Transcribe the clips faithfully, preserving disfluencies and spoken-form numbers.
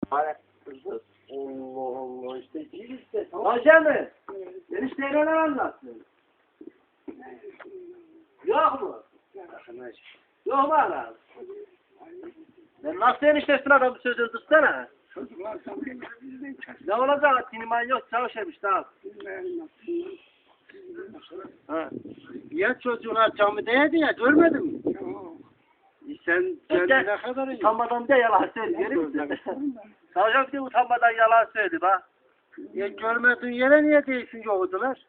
Allah Allah işte değil işte. Hacı mı? Enişte neler anlattın? Yok mu? Yok mu adam? Ben nasıl eniştesin adamı sözü tutsana? Ne olacak? Tiniman yok çalışırmış tamam. Ha. Ya çocuğuna camideydi ya görmedin mi? E sen kendine kadar iyi. Utanmadan da yalan söylüyor. Savcım bir de utanmadan yalan söyledi bak. Ya görmediğin yere niye değilsin yoğurdular?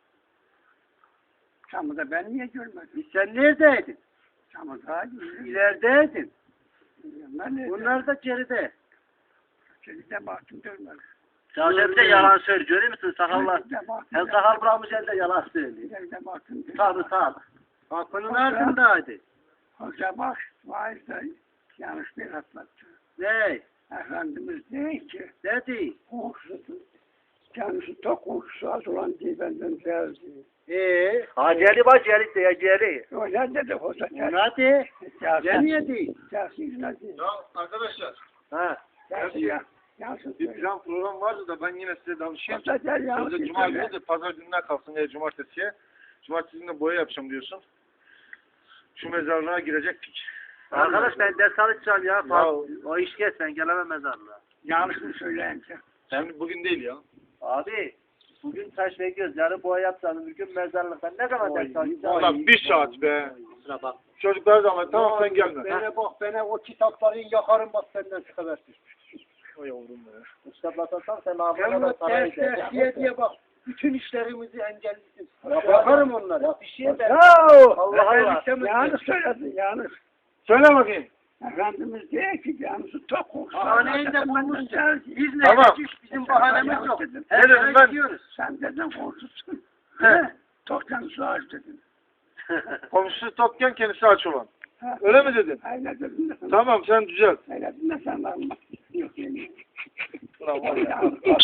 Camıda ben niye görmedim? E sen neredeydin? Camıda İlerideydin. Ben Bunlar da geride. Çelikte baktım görmedim. Savcım bir de yalan söylüyor. Görüyor musun sakallar? Çelikte baktım. Hem sakal bırakmış hem de yalan söylüyor. Çelikte baktım. Tabii tabii. Kapının ardındaydı. Hoca bak, vaiz de yanlış bir atlattı. Ne? Efendimiz değil ki, Ne değil? kokusu, kendisi tok kokusu az olan diye benden geldi. Eee? Ha geli bak geli de ya geli. Öyle dedi hoca. Ne de? Ne Gelsin, niye değil? gelsin ne değil. Ya arkadaşlar, Ha. Gelsin ya. Yansın bir söyle. plan program vardı da ben yine size danışayım. Hoca gel Sözde yansın cuma söyle. günü de pazar gününe kalsın ya cumartesiye. Cumartesi günü boya yapacağım diyorsun. Şu mezarlığa girecektik. Arkadaş ben ders alacağım ya. Ya. O iş geç ben gelemem mezarlığa. Yanlış mı söyleyince? Sen bugün değil ya. Abi bugün taş bekliyoruz. Yarın boya yapacağım. Bugün mezarlıktan ne zaman ders alacağım? Ulan bir saat be. Kusura bak. Çocuklar zaman tamam sen gelme. Bana bak bana o kitapları yakarım bak senden şu kadar. O yavrum be. Kitaplatırsan sen ağzına Hem da para ders ders vereceksin. diye diye bak. Bütün işlerimizi engellisin. Yakarım onları. Bir şey ben. Yahu! Allah Allah. Yanlış söyledin, yanlış. Söyle bakayım. Efendimiz diyor ki yanlışı tok kokusu. Bahaneyi de benden bulmuşsun. geldi. Biz ne Tamam. dedik? Bizim bahanemiz yok. Ne dedim ben? Diyoruz. Sen dedin korkutsun. He. Tok yanlışı aç dedin. Komşusu tokken kendisi aç olan. Ha. Öyle mi dedin? Öyle dedin de sen. Tamam sen düzelt. Öyle dedin de sen bakma. Yok yani. Ulan var ya.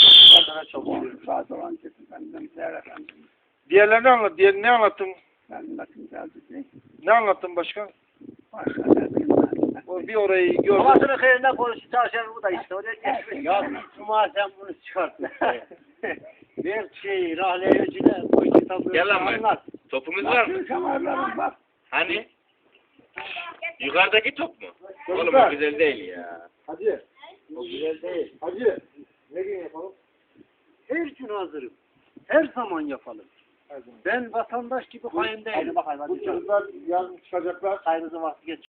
Saat olan dedim benden değer efendim. Diğerlerini anlat. Diğer ne anlattın? Ben bakın geldi diye. Ne anlattın başka? Başka ne bileyim ben. O bir orayı gördüm. Babasının köyünden konuştu çalışan bu da işte oraya geçmiş. Ya Cuma sen bunu çıkartma. Bir şey rahleyicine bu kitabı Gel lan ben. anlat. Topumuz var mı? Bakın kamerlarım bak. Hani? Yukarıdaki top mu? Oğlum Çocuklar. o güzel değil ya. Hacı. O güzel değil. Hacı. Ne gün yapalım? Her gün hazırım. Her zaman yapalım. Her zaman. Ben vatandaş gibi hain değilim. Hadi bakalım Bu hadi. çocuklar yarın çıkacaklar. Hayrınızın vakti geç.